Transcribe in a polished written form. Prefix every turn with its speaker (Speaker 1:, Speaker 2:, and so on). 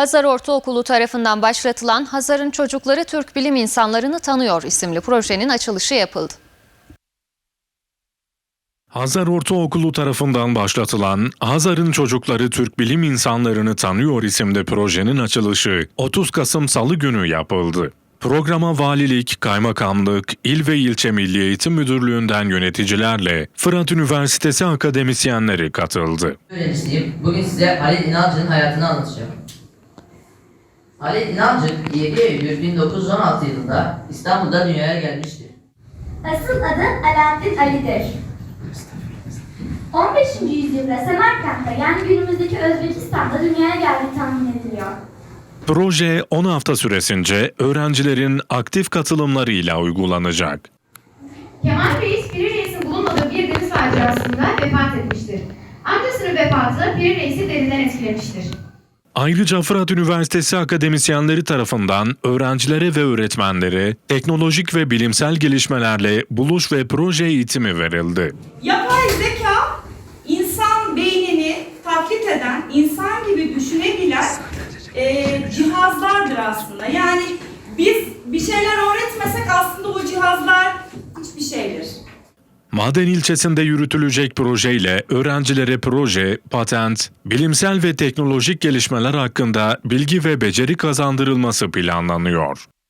Speaker 1: Hazar Ortaokulu tarafından başlatılan Hazar'ın Çocukları Türk Bilim İnsanlarını Tanıyor isimli projenin açılışı yapıldı.
Speaker 2: Hazar Ortaokulu tarafından başlatılan Hazar'ın Çocukları Türk Bilim İnsanlarını Tanıyor isimli projenin açılışı 30 Kasım Salı günü yapıldı. Programa valilik, kaymakamlık, il ve ilçe Milli Eğitim Müdürlüğü'nden yöneticilerle Fırat Üniversitesi akademisyenleri katıldı.
Speaker 3: Öğrencisiyim. Bugün size Halil İnalcık'ın hayatını anlatacağım. Halil İnalcık 7 Eylül 1916 yılında İstanbul'da dünyaya gelmiştir.
Speaker 4: Asıl adı Alaaddin Ali'dir. 15. yüzyılda Semerkant'ta yani günümüzdeki Özbekistan'da dünyaya geldiği tahmin ediliyor.
Speaker 2: Proje 10 hafta süresince öğrencilerin aktif katılımlarıyla uygulanacak.
Speaker 5: Kemal Reis, Piri Reis'in bulunmadığı bir deniz faciasında vefat etmiştir. Amcasının vefatı Piri Reis'i derinden etkilemiştir.
Speaker 2: Ayrıca Fırat Üniversitesi akademisyenleri tarafından öğrencilere ve öğretmenlere teknolojik ve bilimsel gelişmelerle buluş ve proje eğitimi verildi.
Speaker 6: Yapay zeka, insan beynini taklit eden, insan gibi düşünebilen cihazlardır aslında. Yani biz bir şeyler öğretmesek aslında o cihazlar hiçbir şeydir.
Speaker 2: Maden ilçesinde yürütülecek projeyle öğrencilere proje, patent, bilimsel ve teknolojik gelişmeler hakkında bilgi ve beceri kazandırılması planlanıyor.